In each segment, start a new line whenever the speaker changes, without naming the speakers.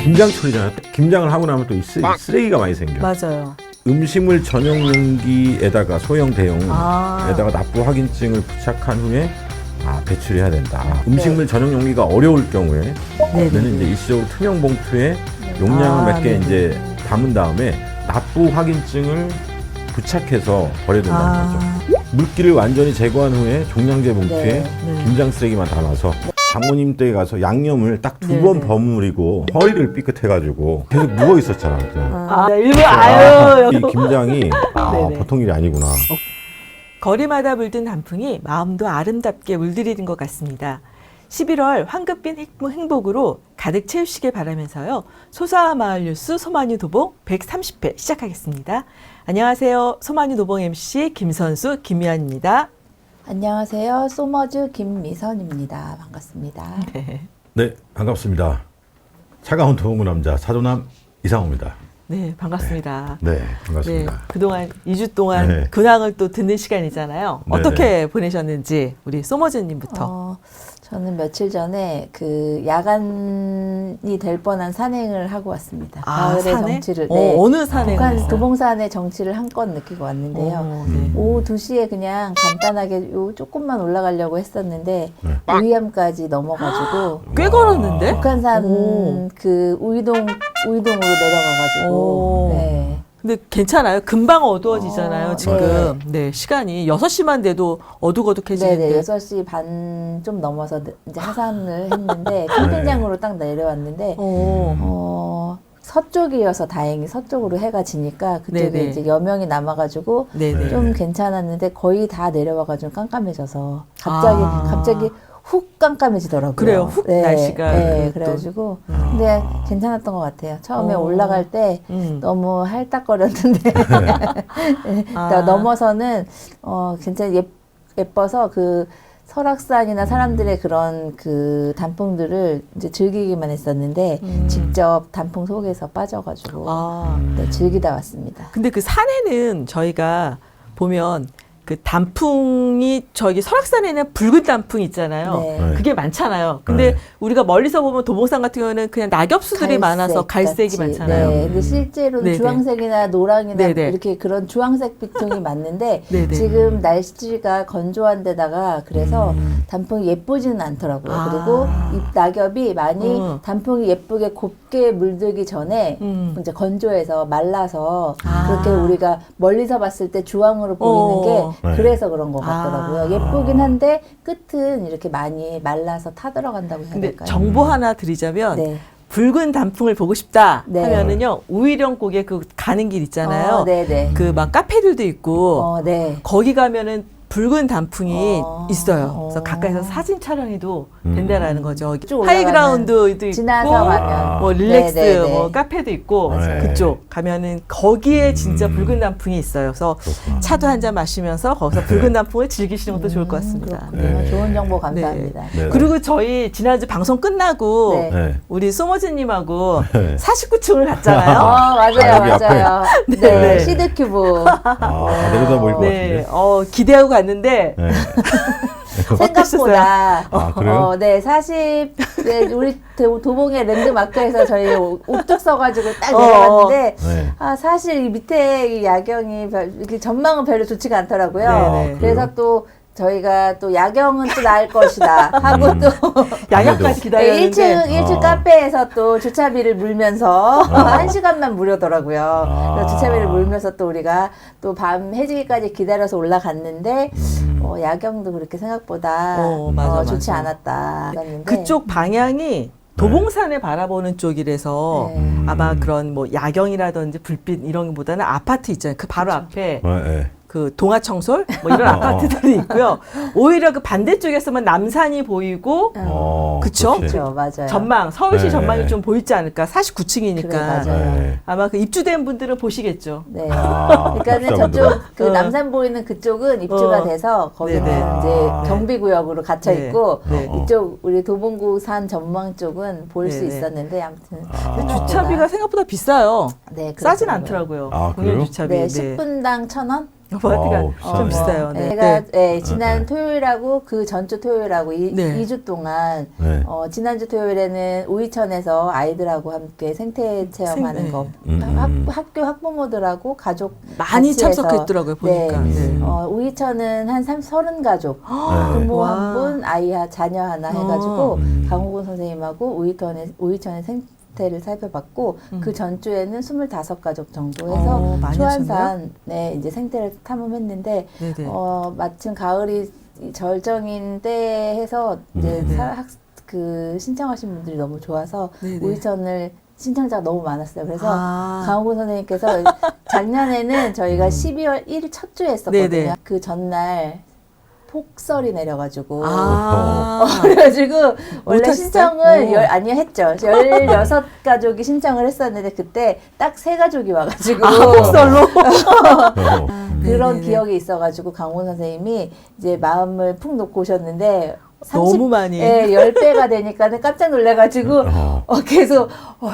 김장 처리잖아요. 김장을 하고 나면 또 이 쓰레기가 많이 생겨.
맞아요.
음식물 전용 용기에다가 소형 대용에다가 납부 확인증을 부착한 후에 배출해야 된다. 음식물 전용 용기가 어려울 경우에 저는 이제 일시적으로 투명 봉투에 용량을 몇 개 이제 담은 다음에 납부 확인증을 부착해서 버려야 된다는 거죠. 물기를 완전히 제거한 후에 종량제 봉투에 김장 쓰레기만 담아서 장모님 댁에 가서 양념을 딱 2번 버무리고 허리를 삐끗해가지고 계속 누워 있었잖아.
일부러
이 김장이 보통 일이 아니구나.
거리마다 물든 단풍이 마음도 아름답게 물들이는 것 같습니다. 11월 황급빈 행복으로 가득 채우시길 바라면서요. 소사와 마을 뉴스 소마뉴 도봉 130회 시작하겠습니다. 안녕하세요. 소마뉴 도봉 MC 김선수 김미연입니다.
안녕하세요. 소머즈 김미선입니다. 반갑습니다.
네, 반갑습니다. 차가운 도봉구 남자 사도남 이상호입니다.
네, 반갑습니다.
네, 반갑습니다.
네, 그동안 2주 동안 근황을 또 듣는 시간이잖아요. 어떻게 보내셨는지 우리 소머즈님부터.
저는 며칠 전에 그 야간이 될 뻔한 산행을 하고 왔습니다. 가을의
산에?
정취를.
어느 산에?
도봉산의 정취를 한껏 느끼고 왔는데요. 오후 2시에 그냥 간단하게 조금만 올라가려고 했었는데 우이암까지 넘어가지고
꽤 걸었는데?
북한산 그 우이동으로 내려가가지고
근데 괜찮아요? 금방 어두워지잖아요, 지금. 네, 시간이 6시만 돼도 어둑어둑해지는데.
네네, 6시 반 좀 넘어서 이제 하산을 했는데, 캠핑장으로 딱 내려왔는데, 서쪽이어서 다행히 서쪽으로 해가 지니까 그쪽에 이제 여명이 남아가지고 좀 괜찮았는데, 거의 다 내려와가지고 깜깜해져서, 갑자기 훅 깜깜해지더라고요.
그래요, 훅 날씨가.
그래가지고. 근데 괜찮았던 것 같아요. 처음에 올라갈 때 너무 할딱거렸는데, 넘어서는, 진짜 예뻐서 그 설악산이나 사람들의 그런 그 단풍들을 이제 즐기기만 했었는데, 직접 단풍 속에서 빠져가지고, 즐기다 왔습니다.
근데 그 산에는 저희가 보면 그 단풍이 저기 설악산에는 붉은 단풍 있잖아요. 그게 많잖아요. 근데 우리가 멀리서 보면 도봉산 같은 경우는 그냥 낙엽수들이 많아서 갈색이 많잖아요.
근데 실제로는 주황색이나 노랑이나 이렇게 그런 주황색 빛통이 맞는데 지금 날씨가 건조한 데다가 그래서 단풍이 예쁘지는 않더라고요. 그리고 이 낙엽이 많이 단풍이 예쁘게 곱게 물들기 전에 이제 건조해서 말라서 그렇게 우리가 멀리서 봤을 때 주황으로 보이는 게 그래서 그런 것 같더라고요. 예쁘긴 한데 끝은 이렇게 많이 말라서 타들어간다고 해야
근데
될까요?
정보 하나 드리자면 붉은 단풍을 보고 싶다 하면은요 우이령곡에 그 가는 길 있잖아요. 그 막 카페들도 있고 거기 가면은 붉은 단풍이 있어요. 그래서 가까이서 사진 촬영해도 된다라는 거죠. 하이그라운드도 있고,
지나서 가면
뭐 릴렉스, 뭐 카페도 있고 그쪽 가면은 거기에 진짜 붉은 단풍이 있어요. 그래서 차도 한 잔 마시면서 거기서 붉은 단풍을 즐기시는 것도 좋을 것 같습니다.
좋은 정보 감사합니다.
그리고 저희 지난주 방송 끝나고 우리 소머즈님하고 49층을 갔잖아요.
맞아요. 시드큐브.
내려다 보일 것 같은데.
기대하고 갔는데
생각보다
그래요?
40 우리 도봉의 랜드마크에서 저희 우뚝 서가지고 딱 내려갔는데 사실 이 밑에 이 야경이 이렇게 전망은 별로 좋지가 않더라고요. 그래서 또 저희가 또 야경은 또 나을 것이다 하고 또
야경까지 기다렸는데
1층 카페에서 또 주차비를 물면서 1시간만 무료더라고요. 그래서 주차비를 물면서 또 우리가 또 밤 해지기까지 기다려서 올라갔는데 야경도 그렇게 생각보다 좋지 않았다.
그쪽 방향이 도봉산을 바라보는 쪽이라서 아마 그런 뭐 야경이라든지 불빛 이런 것보다는 아파트 있잖아요. 그 바로 앞에 그 동아청솔 뭐 이런 아파트들이 있고요. 오히려 그 반대쪽에서만 남산이 보이고 그쵸?
맞아요.
전망 서울시 전망이 좀 보이지 않을까? 49층이니까 아마 그 입주된 분들은 보시겠죠.
그러니까는 저쪽 그 남산 보이는 그쪽은 입주가 돼서 거기는 이제 경비구역으로 갇혀 있고 이쪽 우리 도봉구 산 전망 쪽은 볼 수 있었는데 아무튼
주차비가 생각보다 비싸요. 싸진
그렇더라고요.
않더라고요. 공연 주차비.
10분당 1,000원?
아파트가 좀 비싸요. 네.
제가 지난 토요일하고 그 전주 토요일하고 2주 동안 지난주 토요일에는 우이천에서 아이들하고 함께 생태 체험하는 거 학교 학부모들하고 가족
많이 참석했더라고요. 보니까.
우이천은 한 30가족 부모 한 분, 아이 자녀 하나 해가지고 강호곤 선생님하고 우이천의 생태를 살펴봤고 그 전주에는 25가족 정도 해서 초안산에 이제 생태를 탐험했는데 마침 가을이 절정인 때 해서 이제 그 신청하신 분들이 너무 좋아서 우이천을 신청자가 너무 많았어요. 그래서 강호곤 선생님께서 작년에는 저희가 12월 1일 첫 주에 했었거든요. 그 전날 폭설이 내려가지고 그래가지고 원래 신청을 했죠. 16가족이 신청을 했었는데 그때 딱 3가족이 와가지고
폭설로
그런 기억이 있어가지고 강원 선생님이 이제 마음을 푹 놓고 오셨는데
너무 많이
10배가 되니까는 깜짝 놀래가지고 계속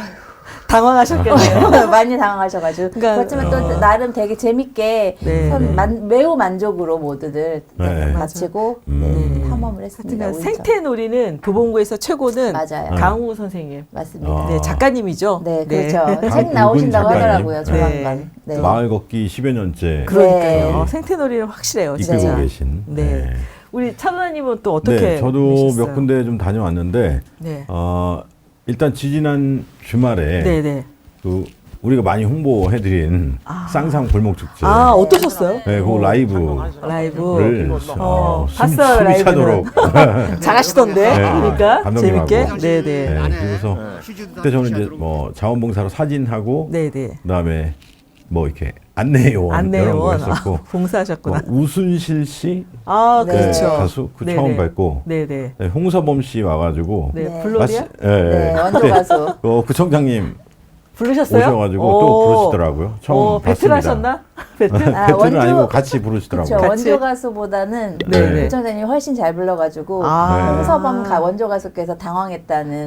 당황하셨겠네요.
많이 당황하셔가지고. 그렇지만 또 나름 되게 재밌게 매우 만족으로 모두들 마치고 탐험을 했습니다.
생태놀이는 도봉구에서 최고는
맞아요.
강우 선생님.
맞습니다.
네, 작가님이죠.
네, 그렇죠. 책 나오신다고 하더라고요, 조만간.
마을 걷기 10여 년째.
그러니까요. 생태놀이는 확실해요, 진짜.
이끌고 계신.
우리 차도나님은 또 어떻게
저도
보셨어요?
몇 군데 좀 다녀왔는데 일단 지지난 주말에 그 우리가 많이 홍보해드린 쌍상 골목축제.
어떠셨어요?
네, 그 라이브를
봤어요.
숨이 차도록
잘하시던데. 그러니까 재밌게.
그래서 그때 저는 이제 뭐 자원봉사로 사진하고 그다음에 뭐 이렇게 안내요원 이런 거 했었고
봉사하셨구나.
우순실 씨
그렇죠.
가수 처음 뵙고 홍서범 씨 와가지고
블로리아
원조 가수
구청장님
부르셨어요?
오셔가지고 또 부르시더라고요. 처음
배틀
봤습니다.
하셨나? 배틀?
배틀은 아니고 같이 부르시더라고요.
그쵸, 원조 가수보다는 구청장님이 훨씬 잘 불러가지고 홍서범 원조 가수께서 당황했다는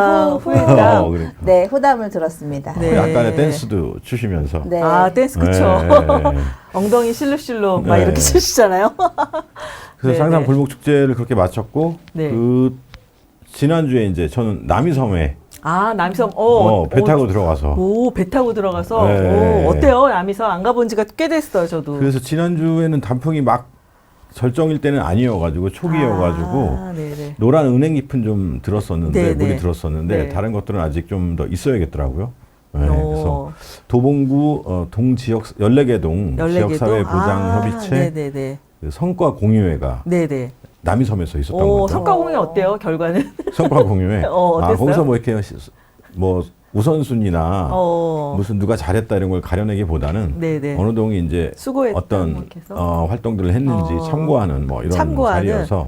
후담을 들었습니다.
약간의 댄스도 추시면서.
댄스 그쵸. 엉덩이 실룩실룩 막 이렇게 추시잖아요.
그래서 쌍상 골목축제를 그렇게 마쳤고 그 지난주에 이제 저는 남이섬에
남이섬.
배 타고 들어가서.
배 타고 들어가서. 어때요? 남이섬 안 가본 지가 꽤 됐어요, 저도.
그래서 지난주에는 단풍이 막 절정일 때는 아니어가지고 초기여가지고 노란 은행 잎은 좀 들었었는데 물이 들었었는데 다른 것들은 아직 좀 더 있어야겠더라고요. 그래서 도봉구 동지역 14개동 지역사회보장협의체 그 성과 공유회가 남이섬에서 있었던 거죠.
성과 공유 어때요? 결과는?
성과 공유회.
어땠어요?
거기서 뭐 이렇게 뭐 우선순위나 무슨 누가 잘했다 이런 걸 가려내기보다는 어느 동이 이제 어떤 활동들을 했는지 참고하는 뭐 이런 자리여서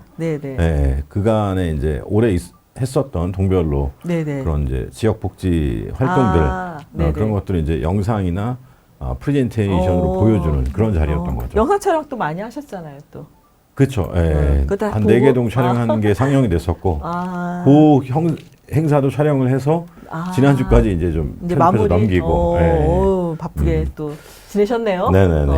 그간에 이제 올해 했었던 동별로 그런 이제 지역 복지 활동들 그런 것들을 이제 영상이나 프레젠테이션으로 보여주는 그런 자리였던 거죠.
영상 촬영도 많이 하셨잖아요, 또.
그렇죠. 한 4개동 촬영한 게 상영이 됐었고, 그 행사도 촬영을 해서 지난주까지 이제 좀 편집해서 넘기고.
바쁘게 또 지내셨네요.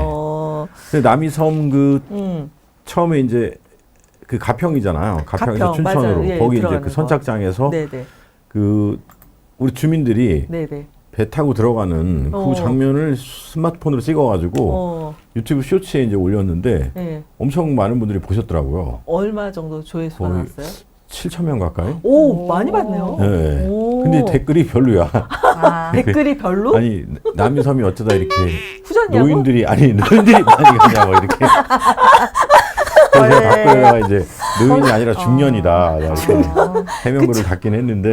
근데 남이섬 처음에 이제 그 가평이잖아요. 가평에서 춘천으로. 거기 이제 그 선착장에서 그 우리 주민들이 배 타고 들어가는 그 장면을 스마트폰으로 찍어가지고 유튜브 쇼츠에 이제 올렸는데 엄청 많은 분들이 보셨더라고요.
얼마 정도 조회수가 나왔어요?
7,000명 가까이?
많이 봤네요.
근데 댓글이 별로야.
댓글이 별로?
아니, 남이섬이 어쩌다 이렇게
후졌냐고?
노인들이 많이 가냐고 이렇게. 그래서 댓글에다가 이제 노인이 아니라 중년이다. 해명글을 갖긴 했는데.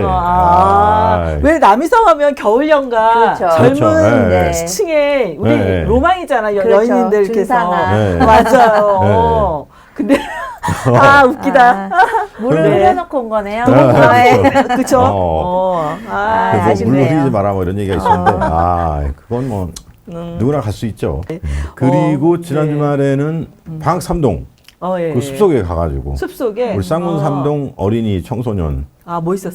왜 남이섬 하면 겨울연가 젊은 시층에 우리 로망이잖아. 연인들 이렇게서. 맞아요. 근데 웃기다.
물을 흘려놓고 온 거네요.
그쵸?
그래서 물 흘리지 마라 뭐 이런 얘기가 있었는데 그건 뭐 누구나 갈 수 있죠. 그리고 지난 주말에는 방학 3동 그 숲속에 가가지고
숲속에
우리 쌍문 3동 어린이 청소년
뭐 있었어요?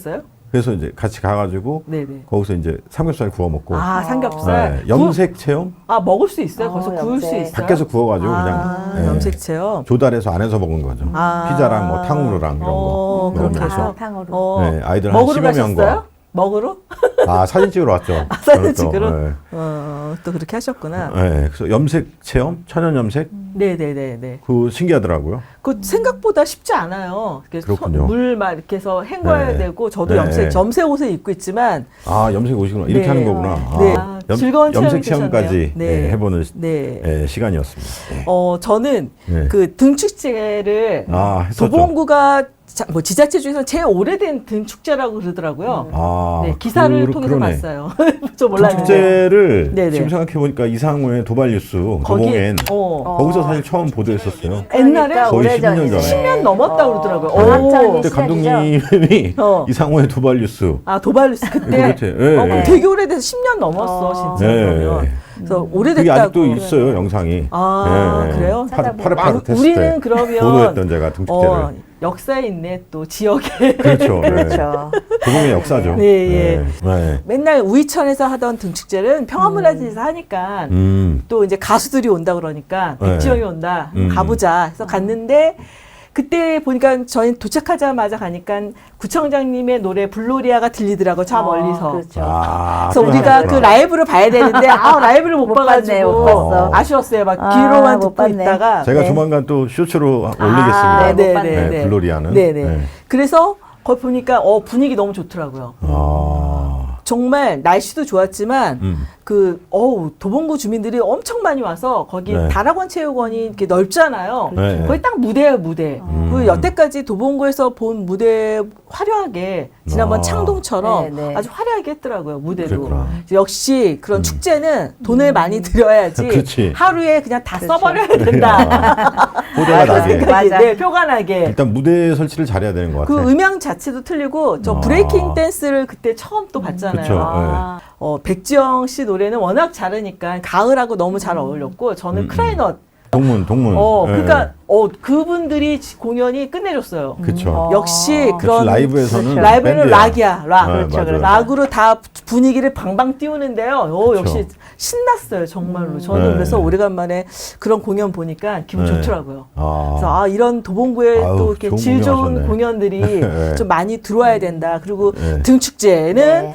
그래서 이제 같이 가가지고
네네.
거기서 이제 삼겹살 구워 먹고.
아, 삼겹살.
네, 염색 체험?
먹을 수 있어요? 거기서 구울 수
염색.
있어요?
밖에서 구워가지고 그냥 네,
염색 체험.
조달해서 안에서 먹은 거죠. 피자랑 뭐 탕후루랑 이런 거
그렇게
먹으면서.
해서.
탕으로.
네, 아이들 한
먹으러
10여 명과.
가셨어요? 먹으러?
사진 찍으러 왔죠.
사진 찍으러?
네.
또 그렇게 하셨구나.
네, 그래서 염색 체험, 천연 염색,
네네네네.
그 신기하더라고요.
그 생각보다 쉽지 않아요.
그렇군요.
물 막 이렇게 해서 헹궈야
네.
되고, 저도
네.
염색 옷을 입고 있지만.
염색 오시구나. 이렇게
네.
하는 거구나.
네. 즐거운
염색
체험이
체험까지
되셨네요. 네.
해보는
네.
시간이었습니다. 네.
저는
네.
그 등축제를
했었죠.
도봉구가 뭐 지자체 중에서 제일 오래된 등축제라고 그러더라고요. 네, 기사를 통해서
그러네.
봤어요. 저 몰랐는데.
축제를
네네.
지금 생각해보니까 이상우의 도발뉴스 도봉엔 거기서 사실 처음 보도했었어요.
옛날에
거의
오래전이네.
10년 전에.
10년 넘었다 그러더라고요.
한창
그때
시작이죠?
감독님이
어.
이상우의 도발뉴스
도발뉴스 그때.
그렇지. 예,
그럼
예.
되게 오래돼서 10년 넘었어, 진짜.
네.
그러면. 그래서
그게
오래됐다고.
아직도 있어요, 영상이. 예.
그래요?
팔을 빠듯했을
우리는
때
그러면
보도했던 제가 등축제를.
역사에 있네, 또 지역에.
그렇죠.
그렇죠.
도봉의 역사죠.
네, 예.
네.
맨날 우이천에서 하던 등축제는 평화문화재에서 하니까 또 이제 가수들이 온다 그러니까
네.
백지영이 온다 가보자 해서 갔는데 그때 보니까 저희 도착하자마자 가니까 구청장님의 노래 블로리아가 들리더라고 저 멀리서.
그렇죠.
그래서 우리가 그 라이브를 봐야 되는데 라이브를 못
봤네, 못
봐가지고
봤어.
아쉬웠어요. 막 귀로만
못
듣고
봤네.
있다가.
제가 조만간 또 쇼츠로 올리겠습니다.
네,
네,
네,
네.
블로리아는.
네네.
네.
그래서 거기 보니까 분위기 너무 좋더라고요. 정말 날씨도 좋았지만 도봉구 주민들이 엄청 많이 와서 거기
네.
다락원 체육원이 이렇게 넓잖아요.
네.
거기 딱 무대예요, 무대. 그 여태까지 도봉구에서 본 무대 화려하게 지난번 창동처럼
네, 네.
아주 화려하게 했더라고요, 무대도.
그랬구나.
역시 그런 축제는 돈을 많이 들여야지
그치.
하루에 그냥 다 써버려야 된다.
호재가
맞아.
나게.
맞아.
네, 표가 나게.
일단 무대 설치를 잘해야 되는 것 같아요.
그 음향 자체도 틀리고 저 브레이킹 댄스를 그때 처음 또 봤잖아요.
그쵸,
백지영 씨 노래는 워낙 잘하니까 가을하고 너무 잘 어울렸고 저는 크라이넛
동문.
그러니까 그분들이 공연이 끝내줬어요.
그렇죠.
역시 그런
라이브에서는
라이브는
밴드야.
락이야, 락.
네,
그렇죠.
맞아요.
락으로 다 분위기를 방방 띄우는데요.
그쵸.
역시 신났어요, 정말로. 저는
네.
그래서 오래간만에 그런 공연 보니까 기분
네.
좋더라고요. 그래서 이런 도봉구에
아유,
또 이렇게
좋은
질 좋은
공연하셨네.
공연들이
네.
좀 많이 들어와야 된다. 그리고
네.
등축제는
네.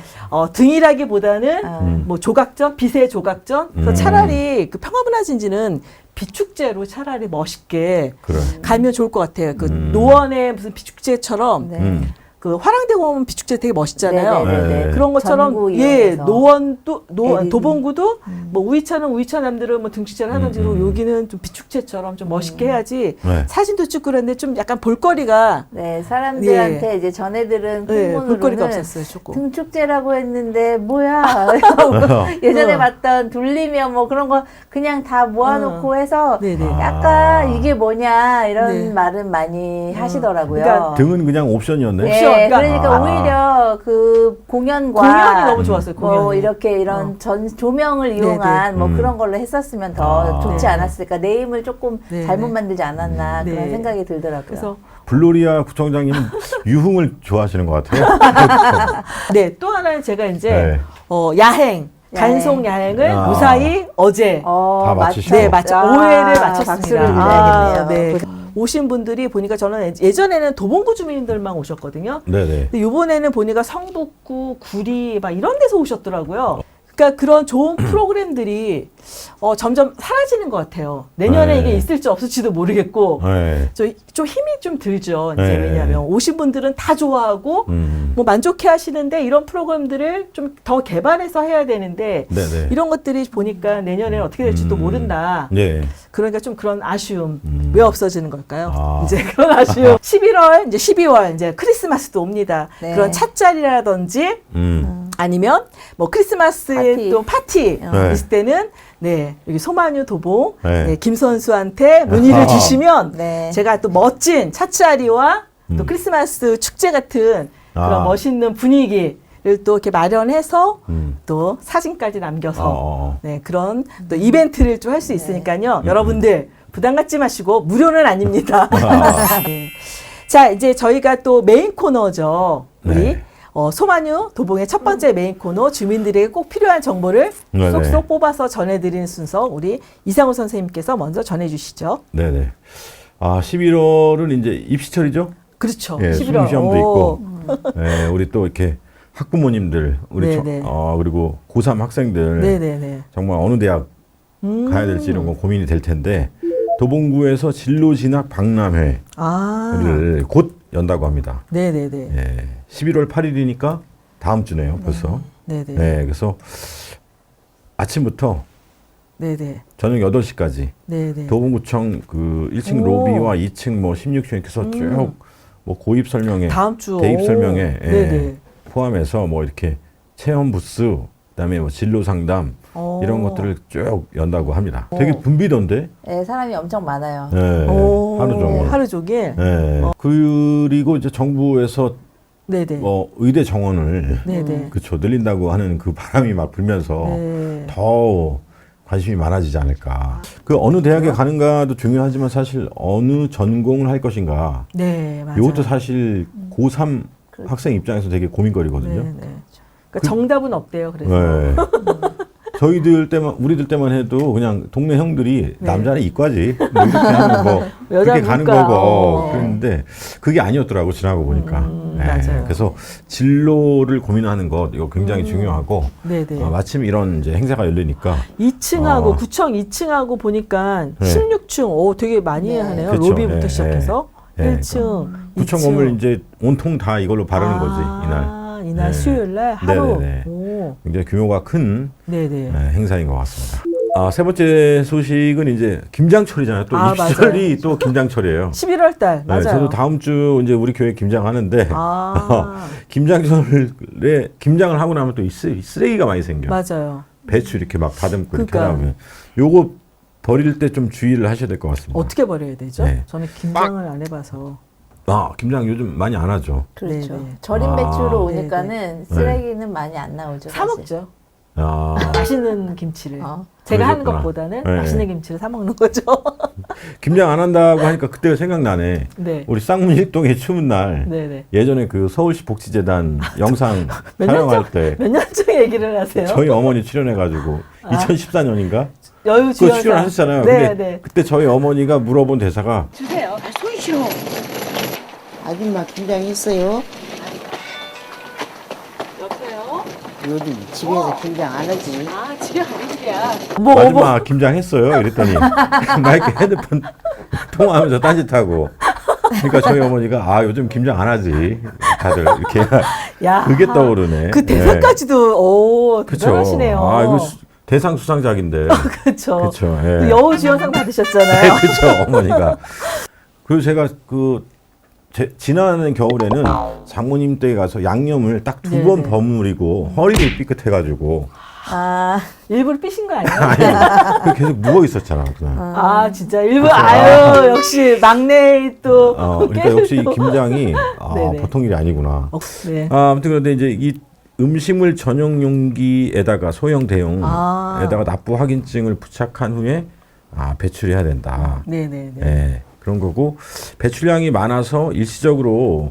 등이라기보다는 뭐 조각전, 빛의 조각전. 그래서 차라리 그 평화문화진지는 비축제로 차라리 멋있게
그래.
가면 좋을 것 같아요. 그 노원의 무슨 비축제처럼
네.
그 화랑대공원 비축제 되게 멋있잖아요.
네.
그런 것처럼
전구
예
이용해서.
노원도
LED.
도봉구도 뭐 우이차는 우이차남들은 뭐 등축제를 하든지 여기는 좀 비축제처럼 좀 멋있게 해야지
네.
사진도 찍고 그랬는데 좀 약간 볼거리가
네, 사람들한테 이제 전애들은
볼거리가
풍문으로는
없었어요 조금.
등축제라고 했는데 뭐야 예전에 봤던 둘리면 뭐 그런 거 그냥 다 모아놓고 해서
네네.
약간 이게 뭐냐 이런
네.
말은 많이 하시더라고요.
그러니까
등은 그냥 옵션이었네.
네,
옵션.
그러니까 오히려 그 공연과
공연이 너무 좋았어요.
뭐
공연이.
이렇게 이런 조명을 이용한 뭐
음.
그런 걸로 했었으면 더 좋지
네.
않았을까. 네임을 조금
네,
잘못
네.
만들지 않았나
네.
그런 생각이 들더라고요.
그래서
블로리아 구청장님은 유흥을 좋아하시는 것 같아요.
네 또 하나는 제가 이제
네.
야행. 단속 야행을
아.
무사히 어제
다 마치시고.
네, 오해를 마쳤습니다.
박수를 드려야겠네요.
네. 오신 분들이 보니까 저는 예전에는 도봉구 주민들만 오셨거든요.
네네.
근데 이번에는 보니까 성북구, 구리 막 이런 데서 오셨더라고요. 그러니까 그런 좋은 프로그램들이 점점 사라지는 것 같아요. 내년에
네.
이게 있을지 없을지도 모르겠고
네.
좀 힘이 좀 들죠. 이제
네.
왜냐하면 오신 분들은 다 좋아하고 뭐 만족해 하시는데 이런 프로그램들을 좀 더 개발해서 해야 되는데
네네.
이런 것들이 보니까 내년에는 어떻게 될지도 모른다.
네.
그러니까 좀 그런 아쉬움 왜 없어지는 걸까요?
아.
이제 그런 아쉬움. 11월 이제 12월 이제 크리스마스도 옵니다.
네.
그런 찻자리라든지 아니면 뭐 크리스마스에
파티.
또 파티
네.
있을 때는 네 여기 소마뉴 도봉
네.
네, 김선수한테 문의를 주시면
네.
제가 또 멋진 찻자리와 또 크리스마스 축제 같은 그런 멋있는 분위기를 또 이렇게 마련해서 또 사진까지 남겨서 네, 그런 또 이벤트를 좀 할 수 있으니까요. 여러분들 부담 갖지 마시고 무료는 아닙니다. 네. 자 이제 저희가 또 메인 코너죠. 우리
네.
소마뉴 도봉의 첫 번째 메인 코너 주민들에게 꼭 필요한 정보를
네네.
쏙쏙 뽑아서 전해드리는 순서 우리 이상우 선생님께서 먼저 전해주시죠.
네네. 11월은 이제 입시철이죠?
그렇죠.
예,
11월.
수능시험도 있고, 예, 우리 또 이렇게 학부모님들, 우리 그리고 고3 학생들,
네네네.
정말 어느 대학 가야 될지 이런 거 고민이 될 텐데, 도봉구에서 진로 진학 박람회를 곧 연다고 합니다.
네네네.
예, 11월 8일이니까 다음 주네요, 벌써.
네네.
네, 그래서 아침부터
네네.
저녁 8시까지
네네.
도봉구청 그 1층 로비와 2층 뭐 16층 이렇게 해서 쭉 뭐 고입 설명회,
다음 주
대입 설명회
네네.
포함해서 뭐 이렇게 체험 부스, 그다음에 뭐 진로 상담 이런 것들을 쭉 연다고 합니다. 되게 붐비던데.
네, 사람이 엄청 많아요.
네, 하루 종일.
하루 종일.
네. 그리고 이제 정부에서
네네.
의대 정원을
네네.
그쵸 늘린다고 하는 그 바람이 막 불면서
네.
더 관심이 많아지지 않을까. 그 어느 대학에 가는가도 중요하지만 사실 어느 전공을 할 것인가.
네, 맞아요.
이것도 사실 고3 학생 입장에서 되게 고민거리거든요.
네, 네. 그러니까 정답은 없대요. 그래서.
네. 우리들 때만 해도 그냥 동네 형들이 남자는 이과지 뭐 이렇게 하면 뭐 그렇게 가는 거고 그랬는데 그게 아니었더라고 지나고 보니까.
맞아요.
그래서 진로를 고민하는 것 이거 굉장히 중요하고 마침 이런 이제 행사가 열리니까
2층하고 구청 2층하고 보니까 16층 되게 많이 하네요.
그쵸.
로비부터 시작해서 1층,
구청
2층.
건물 이제 온통 다 이걸로 바르는 거지 이날.
이날 수요일 날 하루.
굉장히 규모가 큰
네네.
행사인 것 같습니다. 세 번째 소식은 이제 김장철이잖아요. 또 입시철이 또 김장철이에요.
11월 달 맞아요.
저도 다음 주 이제 우리 교회 김장하는데 김장철에 김장을 하고 나면 또 쓰레기가 많이 생겨.
맞아요.
배추 이렇게 막 다듬고 이렇게 하면 요거 버릴 때 좀 주의를 하셔야 될 것 같습니다.
어떻게 버려야 되죠?
네.
저는 김장을 안 해봐서.
김장 요즘 많이 안 하죠.
그렇죠.
네네.
절임 배추로
네네.
오니까는 쓰레기는 많이 안 나오죠.
사
사실.
먹죠.
아,
맛있는 김치를. 제가 하는
그러셨구나.
것보다는
네.
맛있는 김치를 사 먹는 거죠.
김장 안 한다고 하니까 그때가 생각나네.
네.
우리 쌍문일동의 추운 날
네네.
예전에 그 서울시 복지재단 영상
몇
촬영할 때
몇 년 전 얘기를 하세요?
저희 어머니 출연해가지고 2014년인가
여유
그거 출연하셨잖아요.
네,
근데
네.
그때 저희 어머니가 물어본 대사가
주세요. 손 쉬어.
아줌마 김장했어요?
여보세요?
요즘 집에서 김장 안 하지.
집에 가는 길이야.
아줌마 김장했어요? 이랬더니 마이크 헤드폰 통화하면서 딴짓하고 그러니까 저희 어머니가 요즘 김장 안 하지 다들 이렇게
야,
그게 떠오르네.
그 대사까지도 대단하시네요.
이거 대상 수상작인데.
그렇죠.
그렇죠.
그 여우주연상 받으셨잖아요.
그렇죠. 어머니가. 그리고 제가 지난 겨울에는 장모님 댁에 가서 양념을 딱 2번 버무리고 허리를 삐끗해가지고.
일부러 삐신 거 아니에요?
아니, 계속 누워 있었잖아. 그날.
진짜 일부러 역시 막내 또.
그러니까 역시 이 김장이
네네.
보통 일이 아니구나.
네.
아무튼 그런데 이제 이 음식물 전용 용기에다가 소형 대용에다가 납부 확인증을 부착한 후에 배출해야 된다.
네네네.
네, 그런 거고 배출량이 많아서 일시적으로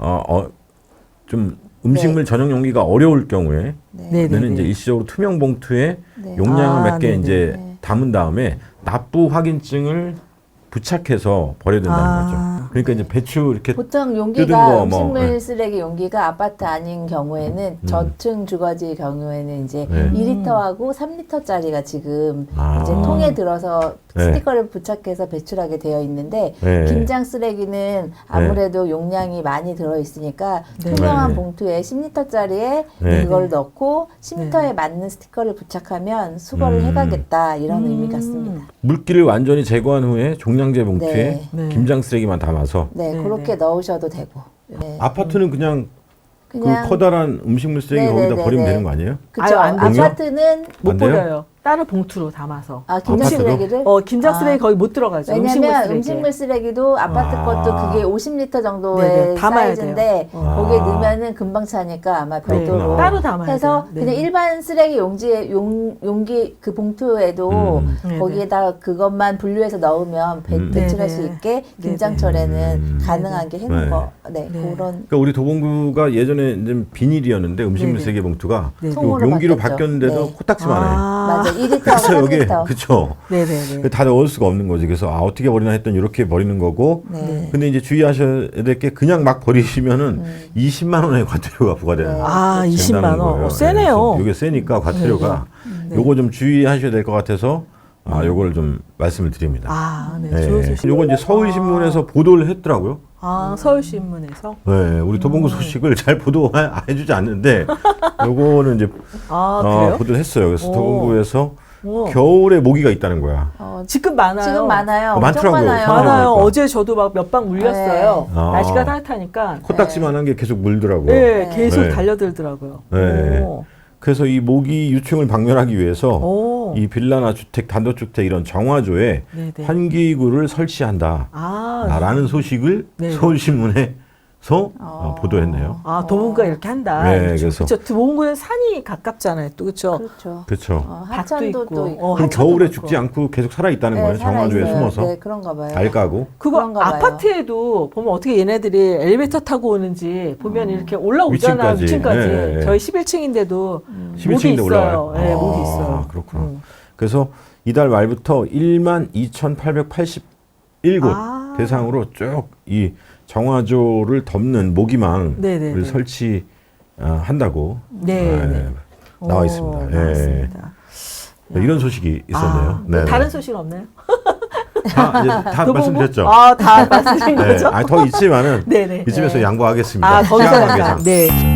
좀 음식물 전용 용기가 어려울 경우에 는 이제 일시적으로 투명 봉투에 용량을 몇 개 이제 담은 다음에 납부 확인증을 부착해서 버려야 된다는 거죠. 그러니까 이제 배추 이렇게
보통
뜯은
용기가
거
음식물 쓰레기 용기가 아파트 아닌 경우에는 저층 주거지 경우에는 이제 2리터하고 3리터짜리가 지금 이제 통에 들어서 스티커를 부착해서 배출하게 되어 있는데 김장 쓰레기는 아무래도 용량이 많이 들어 있으니까 투명한 봉투에 10리터짜리에 그걸 넣고 10리터에 맞는 스티커를 부착하면 수거를 해가겠다 이런 의미 같습니다.
물기를 완전히 제거한 후에 종량제 봉투에 김장 쓰레기만 담아서
그렇게 넣으셔도 되고.
아파트는 그냥 그 커다란 음식물 쓰레기 거기다 버리면 되는 거 아니에요?
그렇죠.
안 되죠?
아파트는
못
안 돼요?
버려요. 다른 봉투로 담아서.
아, 김장
아파트도?
쓰레기를?
김장 쓰레기 거의 못 들어가죠.
왜냐면
쓰레기에.
음식물 쓰레기도 아파트 것도 그게 50리터 정도의
네네, 담아야
사이즈인데
돼요.
거기에 넣으면 금방 차니까 아마 별도로
그렇구나.
따로 담아야
해서
돼요.
그냥 일반 쓰레기 용지에 용기 그 봉투에도
네네.
거기에다 그것만 분류해서 넣으면 배출할 수
네네.
있게 김장철에는 가능하게 해놓은
네.
거.
네.
네, 그런
그러니까 우리 도봉구가 예전에 이제 비닐이었는데 음식물
네네.
쓰레기 봉투가
네.
요
통으로
용기로
바뀌었죠.
바뀌었는데도
네.
코딱지만 해.
맞아. 2리터하고
그래서 여기
3리터.
그쵸.
네네네.
다 넣을 수가 없는 거지. 그래서 어떻게 버리나 했더니 이렇게 버리는 거고.
네.
근데 이제 주의하셔야 될 게 그냥 막 버리시면은 20만 원의 과태료가 부과되는
네.
아, 20만
된다는
원.
거예요.
세네요.
이게 세니까 과태료가
네.
요거 좀 주의하셔야 될 것 같아서 요걸 좀 말씀을 드립니다.
아, 네.
네.
좋은 소식.
요거 이제 서울신문에서 보도를 했더라고요.
서울신문에서.
네, 우리 도봉구 소식을 잘 보도해주지 않는데 요거는 이제
그래요?
보도를 했어요. 그래서
오.
도봉구에서
오.
겨울에 모기가 있다는 거야.
지금 많아요.
지금 많아요. 엄청
많더라고요.
많아요.
많아요.
많아요.
그러니까.
어제 저도 막 몇 방 물렸어요.
네. 아.
날씨가 따뜻하니까.
코딱지만한 게 계속 물더라고요.
네, 계속
네.
달려들더라고요.
네.
오.
그래서 이 모기 유충을 박멸하기 위해서
오.
이 빌라나 주택, 단독주택 이런 정화조에
네네.
환기구를 설치한다. 라는 소식을
네.
서울신문에서 보도했네요.
도봉구가 이렇게 한다.
네, 그래서.
그렇죠. 도봉구는 산이 가깝잖아요. 또 그렇죠.
그렇죠.
그렇죠.
밭도
하천도
있고.
또 있고.
그럼
하천도
겨울에
있고.
죽지 않고 계속 살아있다는 거예요.
살아있어요.
정화조에 숨어서.
네, 그런가 봐요.
달 까고.
그거
그런가 봐요.
아파트에도 보면 어떻게 얘네들이 엘리베이터 타고 오는지 보면 이렇게 올라오잖아요.
위층까지.
위층까지.
네, 네.
저희 11층인데도
11층인데
목이 있어요.
올라와요.
네, 목이 있어요.
그렇구나. 그래서 이달 말부터 12,881곳 대상으로 쭉 이 정화조를 덮는 모기망을
네네네.
설치한다고
네.
나와 있습니다.
나왔습니다.
이런 소식이 있었네요.
뭐 다른 소식 없나요?
다
도봉구?
말씀드렸죠.
다 말씀드린 거죠?
더 있지만은
네네.
이쯤에서 양보하겠습니다.
더
시간
이상
관계상.
네.